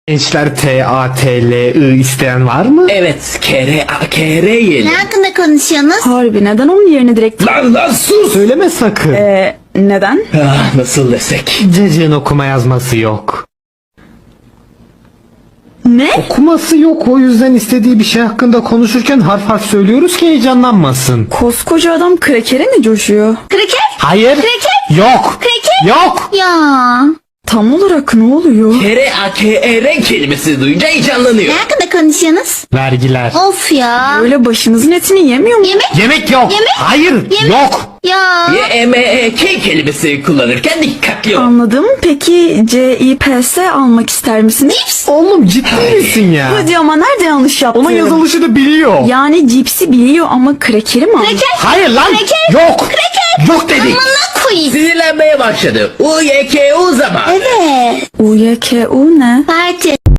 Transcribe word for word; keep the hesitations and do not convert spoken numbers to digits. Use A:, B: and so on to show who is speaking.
A: Gençler T A T L I isteyen var mı?
B: Evet, kere a kere yiyelim.
C: Ne hakkında konuşuyorsunuz?
D: Harbi neden onun yerine direkt...
B: Lan lan sus!
A: Söyleme sakın.
D: Eee neden?
B: Ah, nasıl desek?
A: Cacığın okuma yazması yok.
D: Ne?
A: Okuması yok, o yüzden istediği bir şey hakkında konuşurken harf harf söylüyoruz ki heyecanlanmasın.
D: Koskoca adam krekere mi coşuyor?
C: Kraker?
A: Hayır.
C: Kreket?
A: Yok.
C: Kreket?
A: Yok.
C: Ya.
D: Tam olarak ne oluyor?
B: Kere a kere kelimesi duyunca heyecanlanıyor.
C: Ne hakkında konuşuyorsunuz?
A: Vergiler.
C: Of ya.
D: Öyle başınızın etini yemiyor mu?
C: Yemek?
A: Yemek yok.
C: Yemek?
A: Hayır.
C: Yemek?
A: Yok.
C: Ya.
B: Y e m e k kelimesi kullanırken dikkatli ol.
D: Anladım. Peki C I P S almak ister misiniz?
C: Cips?
A: Oğlum ciddi misin ya?
D: Hadi ama nerede yanlış yaptım?
A: Onun yazılışını biliyor.
D: Yani cipsi biliyor ama krekeri mi almış?
C: Kraker?
A: Hayır lan.
C: Kraker?
A: Yok.
C: Kraker?
A: Yok dedik.
C: Amına koyayım.
B: Sinirlenmeye başladı. U y k u zaman.
C: Evet.
D: U Y K U ne?
C: Parti.